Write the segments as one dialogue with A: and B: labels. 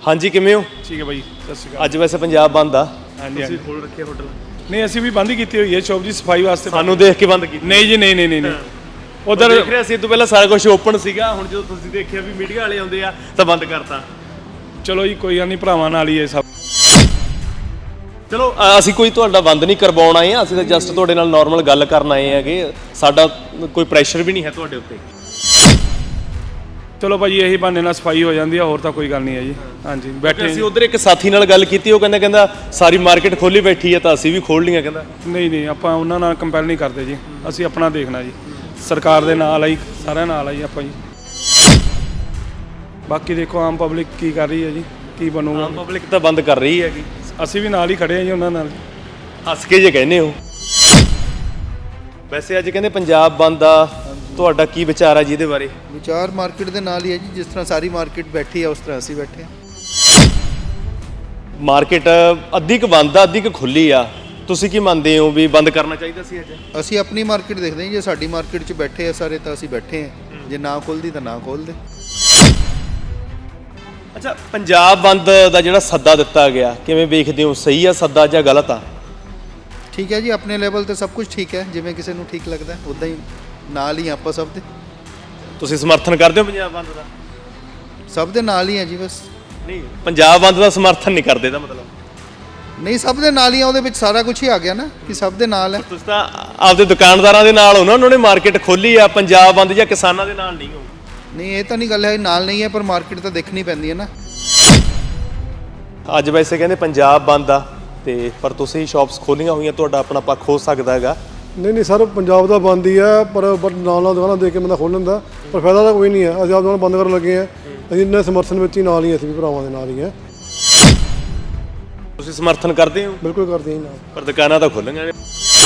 A: ਹਾਂਜੀ ਕਿਵੇਂ ਹੋ?
B: ਠੀਕ ਹੈ ਬਾਈ, ਸਤਿ ਸ਼੍ਰੀ ਅਕਾਲ।
A: ਅੱਜ ਵੈਸੇ ਪੰਜਾਬ ਬੰਦ ਆ।
B: ਹਾਂਜੀ
A: ਤੁਸੀਂ ਖੋਲ ਰੱਖਿਆ ਹੋਟਲ?
B: ਨਹੀਂ, ਅਸੀਂ ਵੀ ਬੰਦ ਹੀ ਕੀਤੀ ਹੋਈ ਹੈ ਸ਼ੌਪ ਜੀ, ਸਫਾਈ ਵਾਸਤੇ।
A: ਸਾਨੂੰ ਦੇਖ ਕੇ ਬੰਦ ਕੀਤੀ?
B: ਨਹੀਂ ਜੀ, ਨਹੀਂ
A: ਉਧਰ ਦੇਖ ਰਿਹਾ ਸੀ, ਇਹ ਤੋਂ ਪਹਿਲਾਂ ਸਾਰਾ ਕੁਝ ਓਪਨ ਸੀਗਾ, ਹੁਣ ਜਦੋਂ ਤੁਸੀਂ ਦੇਖਿਆ ਵੀ ਮੀਡੀਆ ਵਾਲੇ ਆਉਂਦੇ ਆ ਤਾਂ ਬੰਦ ਕਰਤਾ।
B: ਚਲੋ ਜੀ, ਕੋਈ ਗੱਲ ਨਹੀਂ, ਭਰਾਵਾਂ ਨਾਲ ਹੀ ਇਹ ਸਭ।
A: ਚਲੋ ਅਸੀਂ ਕੋਈ ਤੁਹਾਡਾ ਬੰਦ ਨਹੀਂ ਕਰਵਾਉਣ ਆਏ ਆ, ਅਸੀਂ ਤਾਂ ਜਸਟ ਤੁਹਾਡੇ ਨਾਲ ਨਾਰਮਲ ਗੱਲ ਕਰਨ ਆਏ ਹੈਗੇ, ਸਾਡਾ ਕੋਈ ਪ੍ਰੈਸ਼ਰ ਵੀ ਨਹੀਂ ਹੈ ਤੁਹਾਡੇ ਉੱਤੇ।
B: ਚਲੋ ਭਾਜੀ, ਇਹੀ ਬਹਾਨੇ ਨਾਲ ਸਫਾਈ ਹੋ ਜਾਂਦੀ ਆ, ਹੋਰ ਤਾਂ ਕੋਈ ਗੱਲ ਨਹੀਂ ਹੈ ਜੀ। ਹਾਂਜੀ, ਬੈਠੇ
A: ਅਸੀਂ ਉਧਰ ਇੱਕ ਸਾਥੀ ਨਾਲ ਗੱਲ ਕੀਤੀ, ਉਹ ਕਹਿੰਦਾ ਸਾਰੀ ਮਾਰਕੀਟ ਖੋਲੀ ਬੈਠੀ ਹੈ ਤਾਂ ਅਸੀਂ ਵੀ ਖੋਲ ਲਈਆਂ। ਕਹਿੰਦਾ
B: ਨਹੀਂ, ਆਪਾਂ ਉਹਨਾਂ ਨਾਲ ਕੰਪੇਅਰ ਨਹੀਂ ਕਰਦੇ ਜੀ, ਅਸੀਂ ਆਪਣਾ ਦੇਖਣਾ ਜੀ, ਸਰਕਾਰ ਦੇ ਨਾਲ ਆਈ, ਸਾਰਿਆਂ ਨਾਲ ਆਈ ਆਪਾਂ ਜੀ। ਬਾਕੀ ਦੇਖੋ ਆਮ ਪਬਲਿਕ ਕੀ ਕਰ ਰਹੀ ਹੈ ਜੀ, ਕੀ ਬਣੂਗਾ।
A: ਆਮ ਪਬਲਿਕ ਤਾਂ ਬੰਦ ਕਰ ਰਹੀ ਹੈਗੀ,
B: ਅਸੀਂ ਵੀ ਨਾਲ ਹੀ ਖੜੇ ਹਾਂ ਜੀ ਉਹਨਾਂ ਨਾਲ।
A: ਹੱਸ ਕੇ ਜੇ ਕਹਿੰਦੇ ਹੋ। ਵੈਸੇ ਅੱਜ ਕਹਿੰਦੇ ਪੰਜਾਬ ਬੰਦ ਆ, ਤੁਹਾਡਾ ਕੀ ਵਿਚਾਰ ਆ ਜੀ ਇਹਦੇ ਬਾਰੇ?
C: ਵਿਚਾਰ ਮਾਰਕੀਟ ਦੇ ਨਾਲ ਹੀ ਹੈ ਜੀ, ਜਿਸ ਤਰ੍ਹਾਂ ਸਾਰੀ ਮਾਰਕੀਟ ਬੈਠੀ ਹੈ ਉਸ ਤਰ੍ਹਾਂ ਅਸੀਂ ਬੈਠੇ ਹਾਂ।
A: ਮਾਰਕੀਟ ਅੱਧੀ ਕੁ ਬੰਦ ਆ, ਅੱਧੀ ਕੁ ਖੁੱਲੀ ਆ, ਤੁਸੀਂ ਕੀ ਮੰਨਦੇ ਹੋ ਵੀ ਬੰਦ ਕਰਨਾ ਚਾਹੀਦਾ ਸੀ ਅੱਜ?
C: ਅਸੀਂ ਆਪਣੀ ਮਾਰਕੀਟ ਦੇਖਦੇ ਹਾਂ, ਜੇ ਸਾਡੀ ਮਾਰਕੀਟ 'ਚ ਬੈਠੇ ਆ ਸਾਰੇ ਤਾਂ ਅਸੀਂ ਬੈਠੇ ਹਾਂ, ਜੇ ਨਾ ਖੁੱਲਦੀ ਤਾਂ ਨਾ ਖੋਲ੍ਹਦੇ।
A: ਅੱਛਾ, ਪੰਜਾਬ ਬੰਦ ਦਾ ਜਿਹੜਾ ਸੱਦਾ ਦਿੱਤਾ ਗਿਆ, ਕਿਵੇਂ ਵੇਖਦੇ ਹੋ? ਸਹੀ ਆ ਸੱਦਾ ਜਾਂ ਗਲਤ ਆ?
C: ਠੀਕ ਹੈ ਜੀ, ਆਪਣੇ ਲੈਵਲ ਤੇ ਸਭ ਕੁਝ ਠੀਕ ਹੈ, ਜਿਵੇਂ ਕਿਸੇ ਨੂੰ ਠੀਕ ਲੱਗਦਾ ਉੱਦਾਂ ਹੀ ਨਾਲ ਹੀ ਆਪਾਂ ਸਭ ਦੇ।
A: ਤੁਸੀਂ ਸਮਰਥਨ ਕਰਦੇ ਹੋ ਪੰਜਾਬ ਬੰਦ ਦਾ?
C: ਸਭ ਦੇ ਨਾਲ ਹੀ ਹੈ ਜੀ, ਬਸ।
A: ਨਹੀਂ, ਪੰਜਾਬ ਬੰਦ ਦਾ ਸਮਰਥਨ ਨਹੀਂ ਕਰਦੇ ਦਾ ਮਤਲਬ?
C: ਨਹੀਂ, ਸਭ ਦੇ ਨਾਲ ਹੀ ਆ, ਉਹਦੇ ਵਿੱਚ ਸਾਰਾ ਕੁਝ ਹੀ ਆ ਗਿਆ ਨਾ ਕਿ ਸਭ ਦੇ ਨਾਲ ਹੈ।
A: ਤੁਸੀਂ ਤਾਂ ਆਪਦੇ ਦੁਕਾਨਦਾਰਾਂ ਦੇ ਨਾਲ ਹੋ ਨਾ, ਉਹਨਾਂ ਨੇ ਮਾਰਕੀਟ ਖੋਲੀ ਆ, ਪੰਜਾਬ ਬੰਦ ਜਾਂ ਕਿਸਾਨਾਂ ਦੇ ਨਾਲ ਨਹੀਂ ਹੋ?
C: ਨਹੀਂ, ਇਹ ਤਾਂ ਨਹੀਂ ਗੱਲ ਹੈ, ਨਾਲ ਨਹੀਂ ਹੈ, ਪਰ ਮਾਰਕੀਟ ਤਾਂ ਦੇਖਣੀ ਪੈਂਦੀ ਹੈ ਨਾ।
A: ਅੱਜ ਵੈਸੇ ਕਹਿੰਦੇ ਪੰਜਾਬ ਬੰਦ ਆ ਤੇ ਪਰ ਤੁਸੀਂ ਸ਼ਾਪਸ ਖੋਲੀਆਂ ਹੋਈਆਂ, ਤੁਹਾਡਾ ਆਪਣਾ ਪੱਖ ਹੋ ਸਕਦਾ ਹੈਗਾ।
D: ਨਹੀਂ ਸਰ, ਪੰਜਾਬ ਦਾ ਬੰਦ ਹੀ ਹੈ, ਪਰ ਨਾਲ ਦੁਕਾਨਾਂ ਦੇਖ ਕੇ ਬੰਦਾ ਖੋਲ੍ਹਣ ਦਾ, ਪਰ ਫਾਇਦਾ ਤਾਂ ਕੋਈ ਨਹੀਂ ਹੈ। ਅਸੀਂ ਆਪ ਦੁਕਾਨ ਬੰਦ ਕਰਨ ਲੱਗੇ ਹਾਂ, ਅਸੀਂ ਇੰਨੇ ਸਮਰਥਨ ਵਿੱਚ ਹੀ ਨਾਲ ਹੀ, ਅਸੀਂ ਵੀ ਭਰਾਵਾਂ ਦੇ ਨਾਲ ਹੀ ਹਾਂ।
A: ਤੁਸੀਂ ਸਮਰਥਨ ਕਰਦੇ ਹੋ?
D: ਬਿਲਕੁਲ ਕਰਦੇ ਹਾਂ ਨਾਲ,
A: ਪਰ ਦੁਕਾਨਾਂ ਤਾਂ ਖੁੱਲ੍ਹੀਆਂ ਨੇ।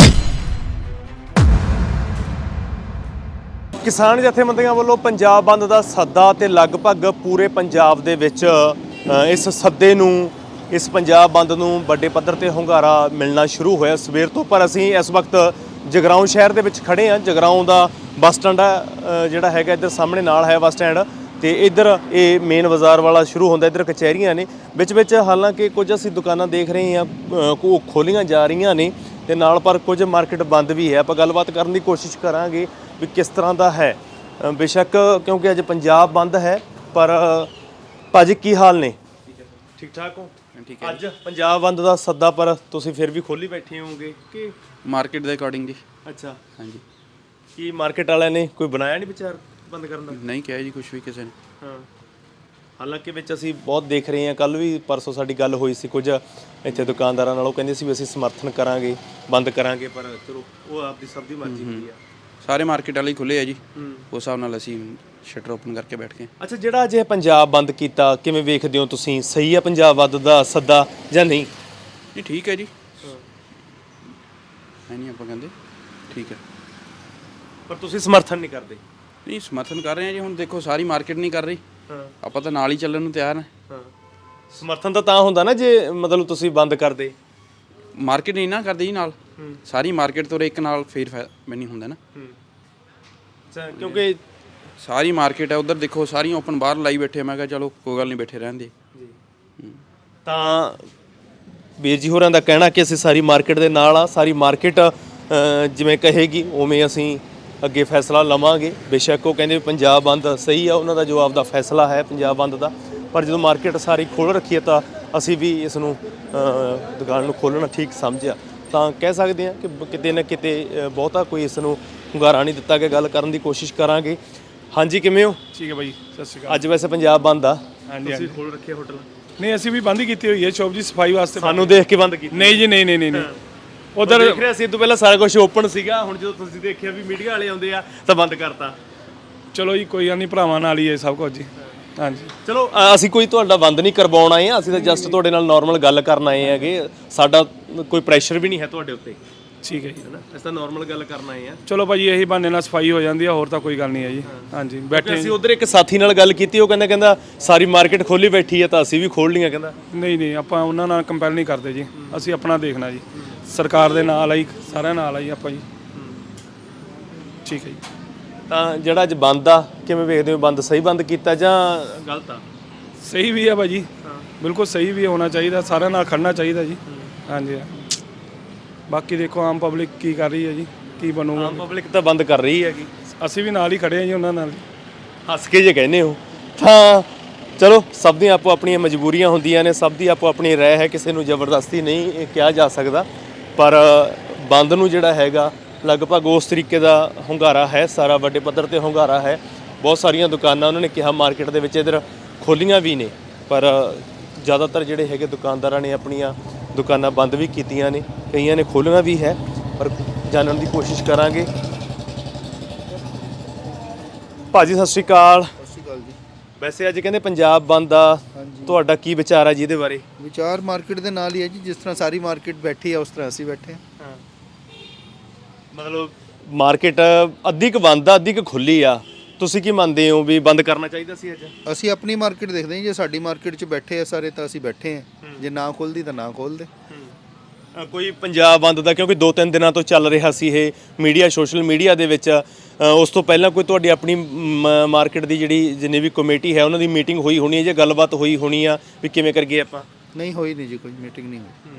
A: ਕਿਸਾਨ ਜਥੇਬੰਦੀਆਂ ਵੱਲੋਂ ਪੰਜਾਬ ਬੰਦ ਦਾ ਸੱਦਾ ਤੇ ਲਗਭਗ ਪੂਰੇ ਪੰਜਾਬ ਦੇ ਵਿੱਚ ਇਸ ਸੱਦੇ ਨੂੰ, ਇਸ ਪੰਜਾਬ ਬੰਦ ਨੂੰ ਵੱਡੇ ਪੱਧਰ ਤੇ ਹੁੰਗਾਰਾ ਮਿਲਣਾ ਸ਼ੁਰੂ ਹੋਇਆ ਸਵੇਰ ਤੋਂ। ਪਰ ਅਸੀਂ ਇਸ ਵਕਤ ਜਗਰਾਉਂ ਸ਼ਹਿਰ ਦੇ ਵਿੱਚ ਖੜੇ ਹਾਂ। ਜਗਰਾਉਂ ਦਾ ਬੱਸ ਸਟੈਂਡ ਜਿਹੜਾ ਹੈਗਾ, ਇੱਧਰ ਸਾਹਮਣੇ ਨਾਲ ਹੈ ਬੱਸ ਸਟੈਂਡ, ਤੇ ਇੱਧਰ ਇਹ ਮੇਨ ਬਾਜ਼ਾਰ ਵਾਲਾ ਸ਼ੁਰੂ ਹੁੰਦਾ, ਇੱਧਰ ਕਚਹਿਰੀਆਂ ਨੇ ਵਿੱਚ ਹਾਲਾਂਕਿ ਕੁਝ ਅਸੀਂ ਦੁਕਾਨਾਂ ਦੇਖ ਰਹੇ ਹਾਂ ਉਹ ਖੋਲੀਆਂ ਜਾ ਰਹੀਆਂ ਨੇ ਤੇ ਨਾਲ, ਪਰ ਕੁਝ ਮਾਰਕੀਟ ਬੰਦ ਵੀ ਹੈ। ਆਪਾਂ ਗੱਲਬਾਤ ਕਰਨ ਦੀ ਕੋਸ਼ਿਸ਼ ਕਰਾਂਗੇ ਵੀ ਕਿਸ ਤਰ੍ਹਾਂ ਦਾ ਹੈ। ਬੇਸ਼ੱਕ ਕਿਉਂਕਿ ਅੱਜ ਪੰਜਾਬ ਬੰਦ ਹੈ, ਪਰ ਭਾਜੀ ਕੀ ਹਾਲ ਨੇ? ਠੀਕ ਠਾਕ ਹੋ?
E: ਠੀਕ ਹੈ।
A: ਅੱਜ ਪੰਜਾਬ ਬੰਦ ਦਾ ਸੱਦਾ, ਪਰ ਤੁਸੀਂ ਫਿਰ ਵੀ ਖੋਲੀ ਬੈਠੇ ਹੋਵੋਗੇ ਕਿ
E: ਮਾਰਕੀਟ ਦੇ ਅਕੋਰਡਿੰਗ ਜੀ?
A: ਅੱਛਾ,
E: ਹਾਂਜੀ।
A: ਕੀ ਮਾਰਕੀਟ ਵਾਲਿਆਂ ਨੇ ਕੋਈ ਬਣਾਇਆ ਨਹੀਂ ਵਿਚਾਰ ਬੰਦ ਕਰਨ ਦਾ?
E: ਨਹੀਂ ਕਿਹਾ ਜੀ ਕੁਝ ਵੀ ਕਿਸੇ ਨੇ।
A: ਹਾਂ, ਹਾਲਾਂਕਿ ਵਿੱਚ ਅਸੀਂ ਬਹੁਤ ਦੇਖ ਰਹੇ ਹਾਂ, ਕੱਲ ਵੀ ਪਰਸੋਂ ਸਾਡੀ ਗੱਲ ਹੋਈ ਸੀ ਕੁਝ ਇੱਥੇ ਦੁਕਾਨਦਾਰਾਂ ਨਾਲ, ਉਹ ਕਹਿੰਦੇ ਸੀ ਵੀ ਅਸੀਂ ਸਮਰਥਨ ਕਰਾਂਗੇ, ਬੰਦ ਕਰਾਂਗੇ, ਪਰ ਚਲੋ ਉਹ ਆਪਦੀ ਸਭ ਦੀ ਮਰਜ਼ੀ ਹੁੰਦੀ ਆ।
E: ਸਾਰੇ ਮਾਰਕੀਟ ਵਾਲੇ ਹੀ ਖੁੱਲੇ ਆ ਜੀ, ਉਸ ਹਿਸਾਬ ਨਾਲ ਅਸੀਂ ਸ਼ਟਰ ਓਪਨ ਕਰਕੇ ਬੈਠ ਗਏ।
A: ਅੱਛਾ, ਜਿਹੜਾ ਅੱਜ ਇਹ ਪੰਜਾਬ ਬੰਦ ਕੀਤਾ, ਕਿਵੇਂ ਵੇਖਦੇ ਹੋ ਤੁਸੀਂ? ਸਹੀ ਆ ਪੰਜਾਬ ਬੰਦ ਦਾ ਸੱਦਾ ਜਾਂ ਨਹੀਂ?
E: ਨਹੀਂ, ਠੀਕ ਹੈ ਜੀ, ਹੈ ਨਹੀਂ ਆਪਾਂ ਕਹਿੰਦੇ ਠੀਕ ਹੈ,
A: ਪਰ ਤੁਸੀਂ ਸਮਰਥਨ ਨਹੀਂ ਕਰਦੇ?
E: ਨਹੀਂ, ਸਮਰਥਨ ਕਰ ਰਹੇ ਹਾਂ ਜੀ। ਹੁਣ ਦੇਖੋ ਸਾਰੀ ਮਾਰਕੀਟ ਨਹੀਂ ਕਰ ਰਹੀ,
A: ਹਾਂ,
E: ਆਪਾਂ ਤਾਂ ਨਾਲ ਹੀ ਚੱਲਣ ਨੂੰ ਤਿਆਰ ਹਾਂ।
A: ਹਾਂ, ਸਮਰਥਨ ਤਾਂ ਹੁੰਦਾ ਨਾ ਜੇ ਮਤਲਬ ਤੁਸੀਂ ਬੰਦ ਕਰਦੇ।
E: ਮਾਰਕੀਟ ਨਹੀਂ ਨਾ ਕਰਦੀ ਜੀ ਨਾਲ, ਸਾਰੀ ਮਾਰਕੀਟ ਤੋਂ ਇੱਕ ਨਾਲ ਫੇਰ ਨਹੀਂ ਹੁੰਦਾ ਨਾ।
A: ਅੱਛਾ, ਕਿਉਂਕਿ
E: ਸਾਰੀ ਮਾਰਕੀਟ ਹੈ, ਉਧਰ ਦੇਖੋ ਸਾਰੀਆਂ ਓਪਨ ਬਾਹਰ ਲਾਈ ਬੈਠੇ। ਮੈਂ ਕਿਹਾ ਚਲੋ ਕੋਈ ਗੱਲ ਨਹੀਂ, ਬੈਠੇ ਰਹਿਣ ਦੇ।
A: ਤਾਂ ਵੀਰ ਜੀ ਹੋਰਾਂ ਦਾ ਕਹਿਣਾ ਕਿ ਅਸੀਂ ਸਾਰੀ ਮਾਰਕੀਟ ਦੇ ਨਾਲ ਆ, ਸਾਰੀ ਮਾਰਕੀਟ ਜਿਵੇਂ ਕਹੇਗੀ ਉਵੇਂ ਅਸੀਂ ਅੱਗੇ ਫੈਸਲਾ ਲਵਾਂਗੇ। ਬੇਸ਼ੱਕ ਉਹ ਕਹਿੰਦੇ ਪੰਜਾਬ ਬੰਦ ਸਹੀ ਆ, ਉਹਨਾਂ ਦਾ ਜਵਾਬ ਦਾ ਫੈਸਲਾ ਹੈ ਪੰਜਾਬ ਬੰਦ ਦਾ, ਪਰ ਜਦੋਂ ਮਾਰਕੀਟ ਸਾਰੀ ਖੋਲ੍ਹ ਰੱਖੀ ਹੈ ਤਾਂ ਅਸੀਂ ਵੀ ਇਸ ਨੂੰ ਦੁਕਾਨ ਨੂੰ ਖੋਲ੍ਹਣਾ ਠੀਕ ਸਮਝਿਆ। ਤਾਂ ਕਹਿ ਸਕਦੇ ਹਾਂ ਕਿ ਕਿਤੇ ਨਾ ਕਿਤੇ ਬਹੁਤਾ ਕੋਈ ਇਸ ਨੂੰ ਹੁੰਗਾਰਾ ਨਹੀਂ ਦਿੱਤਾ ਗਿਆ। ਗੱਲ ਕਰਨ ਦੀ ਕੋਸ਼ਿਸ਼ ਕਰਾਂਗੇ। ਹਾਂਜੀ ਕਿਵੇਂ ਹੋ?
B: ਠੀਕ ਹੈ ਬਾਈ, ਸਤਿ ਸ਼੍ਰੀ ਅਕਾਲ।
A: ਅੱਜ ਵੈਸੇ ਪੰਜਾਬ ਬੰਦ ਆ।
B: ਹਾਂਜੀ,
A: ਤੁਸੀਂ ਖੋਲ੍ਹ ਰੱਖੇ ਹੋਟਲ?
B: ਨਹੀਂ, ਅਸੀਂ ਵੀ ਬੰਦ ਹੀ ਕੀਤੀ ਹੋਈ ਹੈ ਸ਼ੌਪ ਜੀ, ਸਫਾਈ ਵਾਸਤੇ।
A: ਸਾਨੂੰ ਦੇਖ ਕੇ ਬੰਦ ਕੀਤੀ?
B: ਨਹੀਂ ਜੀ, ਨਹੀਂ
A: ਉਧਰ ਦੇਖ ਰਿਹਾ ਸੀ, ਇਹ ਤੋਂ ਪਹਿਲਾਂ ਸਾਰਾ ਕੁਝ ਓਪਨ ਸੀਗਾ, ਹੁਣ ਜਦੋਂ ਤੁਸੀਂ ਦੇਖਿਆ ਵੀ ਮੀਡੀਆ ਵਾਲੇ ਆਉਂਦੇ ਆ ਤਾਂ ਬੰਦ ਕਰਤਾ।
B: ਚਲੋ ਜੀ, ਕੋਈ ਗੱਲ ਨਹੀਂ, ਭਰਾਵਾਂ ਨਾਲ ਹੀ ਇਹ ਸਭ ਕੁਝ ਜੀ। ਹਾਂਜੀ,
A: ਚਲੋ ਅਸੀਂ ਕੋਈ ਤੁਹਾਡਾ ਬੰਦ ਨਹੀਂ ਕਰਵਾਉਣ ਆਏ ਆ, ਅਸੀਂ ਤਾਂ ਜਸਟ ਤੁਹਾਡੇ ਨਾਲ ਨਾਰਮਲ ਗੱਲ ਕਰਨ ਆਏ ਹੈਗੇ, ਸਾਡਾ ਕੋਈ ਪ੍ਰੈਸ਼ਰ ਵੀ ਨਹੀਂ ਹੈ ਤੁਹਾਡੇ ਉੱਤੇ।
B: ਠੀਕ ਹੈ ਜੀ,
A: ਅਸੀਂ ਤਾਂ ਨਾਰਮਲ ਗੱਲ ਕਰਨ ਆਏ ਆ।
B: ਚਲੋ ਭਾਜੀ, ਇਹੀ ਬਹਾਨੇ ਨਾਲ ਸਫਾਈ ਹੋ ਜਾਂਦੀ ਆ, ਹੋਰ ਤਾਂ ਕੋਈ ਗੱਲ ਨਹੀਂ ਹੈ ਜੀ। ਹਾਂਜੀ, ਬੈਠੇ
A: ਅਸੀਂ ਉਧਰ ਇੱਕ ਸਾਥੀ ਨਾਲ ਗੱਲ ਕੀਤੀ, ਉਹ ਕਹਿੰਦਾ ਸਾਰੀ ਮਾਰਕੀਟ ਖੋਲੀ ਬੈਠੀ ਹੈ ਤਾਂ ਅਸੀਂ ਵੀ ਖੋਲ ਲਈਆਂ। ਕਹਿੰਦਾ
B: ਨਹੀਂ, ਆਪਾਂ ਉਹਨਾਂ ਨਾਲ ਕੰਪੇਅਰ ਨਹੀਂ ਕਰਦੇ ਜੀ, ਅਸੀਂ ਆਪਣਾ ਦੇਖਣਾ ਜੀ, ਸਰਕਾਰ ਦੇ ਨਾਲ ਆਈ, ਸਾਰਿਆਂ ਨਾਲ ਆਈ ਆਪਾਂ ਜੀ। ਠੀਕ ਹੈ ਜੀ।
A: ਤਾਂ ਜਿਹੜਾ ਅੱਜ ਬੰਦ ਆ, ਕਿਵੇਂ ਵੇਖਦੇ ਹੋ? ਬੰਦ ਸਹੀ ਬੰਦ ਕੀਤਾ ਜਾਂ ਗਲਤ ਆ?
B: ਸਹੀ ਵੀ ਆ ਭਾਜੀ, ਬਿਲਕੁਲ ਸਹੀ ਵੀ ਹੋਣਾ ਚਾਹੀਦਾ, ਸਾਰਿਆਂ ਨਾਲ ਖੜਨਾ ਚਾਹੀਦਾ ਜੀ। ਹਾਂਜੀ ਬਾਕੀ ਦੇਖੋ ਆਮ ਪਬਲਿਕ ਕੀ ਕਰ ਰਹੀ ਹੈ ਜੀ, ਕੀ ਬਣੂਗਾ।
A: ਆਮ ਪਬਲਿਕ ਤਾਂ ਬੰਦ ਕਰ ਰਹੀ ਹੈਗੀ,
B: ਅਸੀਂ ਵੀ ਨਾਲ ਹੀ ਖੜੇ ਹਾਂ ਜੀ ਉਹਨਾਂ ਨਾਲ।
A: ਹੱਸ ਕੇ ਜੇ ਕਹਿੰਦੇ ਹੋ ਤਾਂ ਚਲੋ, ਸਭ ਦੀਆਂ ਆਪੋ ਆਪਣੀਆਂ ਮਜਬੂਰੀਆਂ ਹੁੰਦੀਆਂ ਨੇ, ਸਭ ਦੀ ਆਪੋ ਆਪਣੀ ਰਾਏ ਹੈ, ਕਿਸੇ ਨੂੰ ਜ਼ਬਰਦਸਤੀ ਨਹੀਂ ਇਹ ਕਿਹਾ ਜਾ ਸਕਦਾ। ਪਰ ਬੰਦ ਨੂੰ ਜਿਹੜਾ ਹੈਗਾ ਲਗਭਗ ਉਸ ਤਰੀਕੇ ਦਾ ਹੁੰਗਾਰਾ ਹੈ, ਸਾਰਾ ਵੱਡੇ ਪੱਧਰ ਤੇ ਹੁੰਗਾਰਾ ਹੈ। ਬਹੁਤ ਸਾਰੀਆਂ ਦੁਕਾਨਾਂ ਉਹਨਾਂ ਨੇ ਕਿਹਾ ਮਾਰਕੀਟ ਦੇ ਵਿੱਚ ਇੱਧਰ ਖੋਲ੍ਹੀਆਂ ਵੀ ਨੇ, ਪਰ ਜ਼ਿਆਦਾਤਰ ਜਿਹੜੇ ਹੈਗੇ ਦੁਕਾਨਦਾਰਾਂ ਨੇ ਆਪਣੀਆਂ ਦੁਕਾਨਾਂ ਬੰਦ ਵੀ ਕੀਤੀਆਂ ਨੇ, ਕਈਆਂ ਨੇ ਖੋਲ੍ਹੀਆਂ ਵੀ ਹੈ, ਪਰ ਜਾਣਨ ਦੀ ਕੋਸ਼ਿਸ਼ ਕਰਾਂਗੇ। ਭਾਜੀ ਸਤਿ ਸ਼੍ਰੀ ਅਕਾਲ।
C: ਸਤਿ ਸ਼੍ਰੀ ਅਕਾਲ ਜੀ।
A: ਵੈਸੇ ਅੱਜ ਕਹਿੰਦੇ ਪੰਜਾਬ ਬੰਦ ਆ, ਤੁਹਾਡਾ ਕੀ ਵਿਚਾਰ ਹੈ ਜੀ ਇਹਦੇ ਬਾਰੇ?
C: ਵਿਚਾਰ ਮਾਰਕੀਟ ਦੇ ਨਾਲ ਹੀ ਹੈ ਜੀ, ਜਿਸ ਤਰ੍ਹਾਂ ਸਾਰੀ ਮਾਰਕੀਟ ਬੈਠੀ ਹੈ ਉਸ ਤਰ੍ਹਾਂ ਅਸੀਂ ਬੈਠੇ ਹਾਂ।
A: ਮਤਲਬ ਮਾਰਕੀਟ ਅੱਧੀ ਕੁ ਬੰਦ ਆ, ਅੱਧੀ ਕੁ ਖੁੱਲੀ ਆ, ਤੁਸੀਂ ਕੀ ਮੰਨਦੇ ਹੋ ਵੀ ਬੰਦ ਕਰਨਾ ਚਾਹੀਦਾ ਸੀ ਅੱਜ?
C: ਅਸੀਂ ਆਪਣੀ ਮਾਰਕੀਟ ਦੇਖਦੇ ਹਾਂ, ਜੇ ਸਾਡੀ ਮਾਰਕੀਟ 'ਚ ਬੈਠੇ ਆ ਸਾਰੇ ਤਾਂ ਅਸੀਂ ਬੈਠੇ ਹਾਂ, ਜੇ ਨਾ ਖੁੱਲਦੀ ਤਾਂ ਨਾ ਖੋਲ੍ਹਦੇ।
A: ਕੋਈ ਪੰਜਾਬ ਬੰਦ ਦਾ, ਕਿਉਂਕਿ 2-3 ਦਿਨਾਂ ਤੋਂ ਚੱਲ ਰਿਹਾ ਸੀ ਇਹ ਮੀਡੀਆ, ਸੋਸ਼ਲ ਮੀਡੀਆ ਦੇ ਵਿੱਚ, ਉਸ ਤੋਂ ਪਹਿਲਾਂ ਕੋਈ ਤੁਹਾਡੀ ਆਪਣੀ ਮਾਰਕੀਟ ਦੀ ਜਿਹੜੀ ਜਿੰਨੀ ਵੀ ਕਮੇਟੀ ਹੈ ਉਹਨਾਂ ਦੀ ਮੀਟਿੰਗ ਹੋਈ ਹੋਣੀ ਹੈ ਜਾਂ ਗੱਲਬਾਤ ਹੋਈ ਹੋਣੀ ਆ ਵੀ ਕਿਵੇਂ ਕਰੀਏ ਆਪਾਂ?
C: ਨਹੀਂ ਹੋਈ ਨਹੀਂ ਜੀ, ਕੋਈ ਮੀਟਿੰਗ ਨਹੀਂ ਹੋਈ।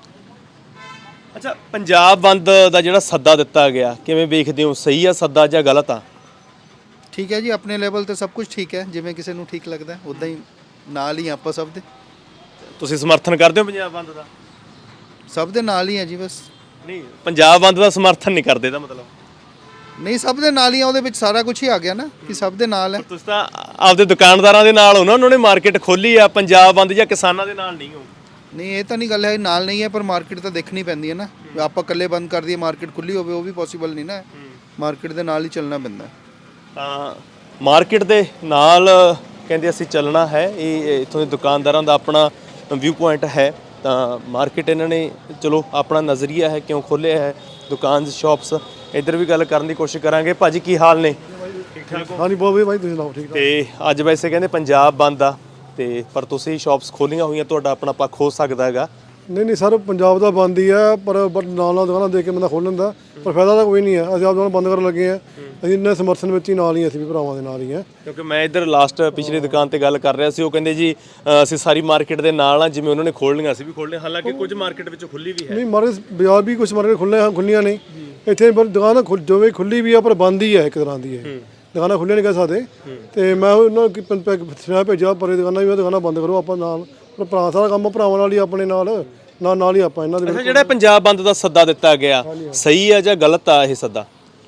A: ਅੱਛਾ, ਪੰਜਾਬ ਬੰਦ ਦਾ ਜਿਹੜਾ ਸੱਦਾ ਦਿੱਤਾ ਗਿਆ, ਕਿਵੇਂ ਵੇਖਦੇ ਹੋ? ਸਹੀ ਆ ਸੱਦਾ ਜਾਂ ਗਲਤ ਆ?
C: ਠੀਕ ਹੈ ਜੀ, ਆਪਣੇ ਲੈਵਲ ਤੇ ਸਭ ਕੁਝ ਠੀਕ ਹੈ, ਜਿਵੇਂ ਕਿਸੇ ਨੂੰ ਠੀਕ ਲੱਗਦਾ ਉਦਾਂ ਹੀ ਨਾਲ ਹੀ ਆਪਾਂ ਸਭ ਦੇ।
A: ਤੁਸੀਂ ਸਮਰਥਨ ਕਰਦੇ ਹੋ ਪੰਜਾਬ ਬੰਦ ਦਾ?
C: ਸਭ ਦੇ ਨਾਲ ਹੀ ਹੈ ਜੀ ਬਸ।
A: ਨਹੀਂ, ਪੰਜਾਬ ਬੰਦ ਦਾ ਸਮਰਥਨ ਨਹੀਂ ਕਰਦੇ ਦਾ ਮਤਲਬ?
C: ਨਹੀਂ, ਸਭ ਦੇ ਨਾਲ ਹੀ ਆ, ਉਹਦੇ ਵਿੱਚ ਸਾਰਾ ਕੁਝ ਹੀ ਆ ਗਿਆ ਨਾ ਕਿ ਸਭ ਦੇ ਨਾਲ ਹੈ।
A: ਤੁਸੀਂ ਤਾਂ ਆਪਦੇ ਦੁਕਾਨਦਾਰਾਂ ਦੇ ਨਾਲ ਹੋ ਨਾ, ਉਹਨਾਂ ਨੇ ਮਾਰਕੀਟ ਖੋਲੀ ਆ, ਪੰਜਾਬ ਬੰਦ ਜਾਂ ਕਿਸਾਨਾਂ ਦੇ ਨਾਲ ਨਹੀਂ ਹੋ?
C: ਨਹੀਂ, ਇਹ ਤਾਂ ਨਹੀਂ ਗੱਲ ਹੈ ਨਾਲ ਨਹੀਂ ਹੈ, ਪਰ ਮਾਰਕੀਟ ਤਾਂ ਦੇਖਣੀ ਪੈਂਦੀ ਹੈ ਨਾ। ਆਪਾਂ ਇਕੱਲੇ ਬੰਦ ਕਰ ਦਈਏ, ਮਾਰਕੀਟ ਖੁੱਲੀ ਹੋਵੇ, ਉਹ ਵੀ ਪੋਸੀਬਲ ਨਹੀਂ ਨਾ। ਮਾਰਕੀਟ ਦੇ ਨਾਲ ਹੀ ਚੱਲਣਾ ਪੈਂਦਾ।
A: ਤਾਂ ਮਾਰਕੀਟ ਦੇ ਨਾਲ ਕਹਿੰਦੇ ਅਸੀਂ ਚੱਲਣਾ ਹੈ, ਇਹ ਇੱਥੋਂ ਦੇ ਦੁਕਾਨਦਾਰਾਂ ਦਾ ਆਪਣਾ ਵਿਊ ਪੁਆਇੰਟ ਹੈ। ਤਾਂ ਮਾਰਕੀਟ ਇਹਨਾਂ ਨੇ ਚਲੋ ਆਪਣਾ ਨਜ਼ਰੀਆ ਹੈ, ਕਿਉਂ ਖੋਲ੍ਹਿਆ ਹੈ ਦੁਕਾਨ ਸ਼ਾਪਸ। ਇੱਧਰ ਵੀ ਗੱਲ ਕਰਨ ਦੀ ਕੋਸ਼ਿਸ਼ ਕਰਾਂਗੇ। ਭਾਜੀ ਕੀ ਹਾਲ ਨੇ? ਠੀਕ ਠਾਕ ਹੋ?
D: ਹਾਂਜੀ ਬਹੁਤ ਵਧੀਆ ਭਾਈ, ਤੁਸੀਂ ਸੁਣਾਓ? ਠੀਕ ਠਾਕ।
A: ਤੇ ਅੱਜ ਵੈਸੇ ਕਹਿੰਦੇ ਪੰਜਾਬ ਬੰਦ ਆ, ਤੇ ਪਰ ਤੁਸੀਂ ਸ਼ਾਪਸ ਖੋਲ੍ਹੀਆਂ ਹੋਈਆਂ, ਤੁਹਾਡਾ ਆਪਣਾ ਪੱਖ ਹੋ ਸਕਦਾ ਹੈਗਾ।
D: ਨਹੀਂ ਸਰ, ਪੰਜਾਬ ਦਾ ਬੰਦ ਹੀ ਹੈ, ਪਰ ਨਾਲ ਨਾਲ ਦੁਕਾਨਾਂ ਦੇਖ ਕੇ ਬੰਦਾ ਖੋਲ੍ਹ ਲੈਂਦਾ, ਪਰ ਫਾਇਦਾ ਤਾਂ ਕੋਈ ਨਹੀਂ ਹੈ। ਅਸੀਂ ਆਪ ਦੁਕਾਨ ਬੰਦ ਕਰਨ ਲੱਗੇ ਹਾਂ, ਅਸੀਂ ਇੰਨੇ ਸਮਰਥਨ ਵਿੱਚ ਹੀ ਨਾਲ ਹੀ, ਅਸੀਂ ਵੀ ਭਰਾਵਾਂ ਦੇ ਨਾਲ ਹੀ ਹਾਂ।
A: ਕਿਉਂਕਿ ਮੈਂ ਇੱਧਰ ਲਾਸਟ ਪਿਛਲੀ ਦੁਕਾਨ ਤੇ ਗੱਲ ਕਰ ਰਿਹਾ ਸੀ, ਉਹ ਕਹਿੰਦੇ ਜੀ ਅਸੀਂ ਸਾਰੀ ਮਾਰਕੀਟ ਦੇ ਨਾਲ ਆ, ਜਿਵੇਂ ਉਹਨਾਂ ਨੇ ਖੋਲ੍ਹ ਲਈਆਂ ਅਸੀਂ ਵੀ ਖੋਲ੍ਹ ਲਈਆਂ, ਹਾਲਾਂਕਿ ਕੁਝ ਮਾਰਕੀਟ ਵਿੱਚ ਖੁੱਲੀ ਵੀ ਹੈ।
D: ਨਹੀਂ, ਮਾਰਕੀਟ ਬਾਜ਼ਾਰ ਵੀ ਕੁਝ ਮਾਰਕੀਟ ਖੁੱਲੀਆਂ ਨਹੀਂ, ਇੱਥੇ ਪਰ ਦੁਕਾਨ ਜਿਵੇਂ ਖੁੱਲੀ ਵੀ ਆ, ਪਰ ਬੰਦ ਹੀ ਹੈ ਇੱਕ ਤਰ੍ਹਾਂ ਦੀ। ਇਹ ਦੁਕਾਨਾਂ ਖੁੱਲੀਆਂ ਨਹੀਂ ਕਹਿ ਸਕਦੇ। ਤੇ ਮੈਂ ਉਹਨਾਂ ਨੂੰ ਸੁਨੇਹਾ ਭੇਜਿਆ, ਪਰ ਇਹ ਦੁਕਾਨਾਂ ਵੀ ਦੁਕਾਨਾਂ ਬੰਦ ਕਰੋ, ਆਪਾਂ ਨਾਲ ਭਰਾ, ਸਾਰਾ ਕੰਮ ਭਰਾਵਾਂ ਨਾਲ ਹੀ, ਆਪਣੇ ਨਾਲ ਹੀ ਆਪਾਂ ਇਹਨਾਂ ਦੇ।
A: ਅੱਛਾ, ਜਿਹੜਾ ਪੰਜਾਬ ਬੰਦ ਦਾ ਸੱਦਾ ਦਿੱਤਾ ਗਿਆ, ਸਹੀ ਆ ਜਾਂ ਗਲਤ ਆ ਇਹ ਸੱਦਾ?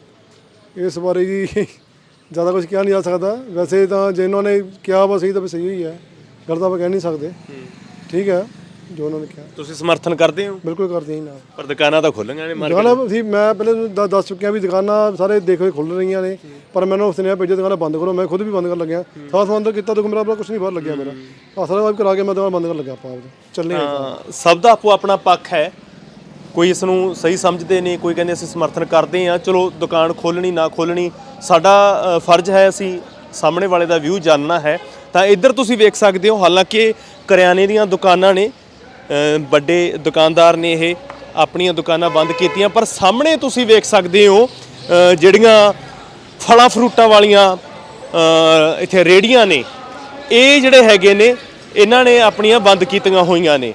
D: ਇਸ ਬਾਰੇ ਜੀ ਜ਼ਿਆਦਾ ਕੁਝ ਕਿਹਾ ਨਹੀਂ ਜਾ ਸਕਦਾ। ਵੈਸੇ ਤਾਂ ਜਿਨ੍ਹਾਂ ਨੇ ਕਿਹਾ ਵਾ ਸਹੀ ਤਾਂ ਸਹੀ ਹੀ ਹੈ, ਗਲਤ ਆਪਾਂ ਕਹਿ ਨਹੀਂ ਸਕਦੇ। ਠੀਕ ਹੈ ਜੋ ਉਹਨਾਂ ਨੇ ਕਿਹਾ।
A: ਤੁਸੀਂ ਸਮਰਥਨ ਕਰਦੇ ਹੋ?
D: ਬਿਲਕੁਲ ਕਰਦੇ ਹਾਂ ਨਾਲ।
A: ਪਰ ਦੁਕਾਨਾਂ ਤਾਂ ਖੁੱਲ੍ਹੀਆਂ ਨੇ ਮਾਰਕੀਟ।
D: ਦੁਕਾਨਾਂ ਸੀ, ਮੈਂ ਪਹਿਲੇ ਦੱਸ ਚੁੱਕਿਆ ਵੀ ਦੁਕਾਨਾਂ ਸਾਰੇ ਦੇਖੋ ਖੁੱਲ੍ਹ ਰਹੀਆਂ ਨੇ, ਪਰ ਮੈਨੂੰ ਸੁਨੇਹਾ ਭੇਜਿਆ ਦੁਕਾਨਾਂ ਬੰਦ ਕਰੋ। ਮੈਂ ਖੁਦ ਵੀ ਬੰਦ ਕਰਨ ਲੱਗਿਆ, ਸਾਰਾ ਸਮਾਨ ਤਾਂ ਕੀਤਾ, ਤਾਂ ਮੇਰਾ ਆਪਣਾ ਕੁਝ ਨਹੀਂ ਬਾਹਰ ਲੱਗਿਆ ਮੇਰਾ, ਸਾਰਾ ਵਾਈਪ ਕਰਾ ਕੇ ਮੈਂ ਦੁਕਾਨ ਬੰਦ ਕਰਨ ਲੱਗਿਆ। ਆਪਾਂ ਚੱਲੇ
A: ਸਭ ਦਾ ਆਪੋ ਆਪਣਾ ਪੱਖ ਹੈ, ਕੋਈ ਇਸ ਨੂੰ ਸਹੀ ਸਮਝਦੇ ਨੇ, ਕੋਈ ਕਹਿੰਦੇ ਅਸੀਂ ਸਮਰਥਨ ਕਰਦੇ ਹਾਂ। ਚਲੋ, ਦੁਕਾਨ ਖੋਲ੍ਹਣੀ ਨਾ ਖੋਲ੍ਹਣੀ ਸਾਡਾ ਫਰਜ਼ ਹੈ, ਅਸੀਂ ਸਾਹਮਣੇ ਵਾਲੇ ਦਾ ਵਿਊ ਜਾਣਨਾ ਹੈ। ਤਾਂ ਇੱਧਰ ਤੁਸੀਂ ਵੇਖ ਸਕਦੇ ਹੋ, ਹਾਲਾਂਕਿ ਕਰਿਆਨੇ ਦੀਆਂ ਦੁਕਾਨਾਂ ਨੇ, ਵੱਡੇ ਦੁਕਾਨਦਾਰ ਨੇ ਇਹ ਆਪਣੀਆਂ ਦੁਕਾਨਾਂ ਬੰਦ ਕੀਤੀਆਂ, ਪਰ ਸਾਹਮਣੇ ਤੁਸੀਂ ਵੇਖ ਸਕਦੇ ਹੋ ਜਿਹੜੀਆਂ ਫਲਾਂ ਫਰੂਟਾਂ ਵਾਲੀਆਂ ਇੱਥੇ ਰੇਹੜੀਆਂ ਨੇ, ਇਹ ਜਿਹੜੇ ਹੈਗੇ ਨੇ ਇਹਨਾਂ ਨੇ ਆਪਣੀਆਂ ਬੰਦ ਕੀਤੀਆਂ ਹੋਈਆਂ ਨੇ।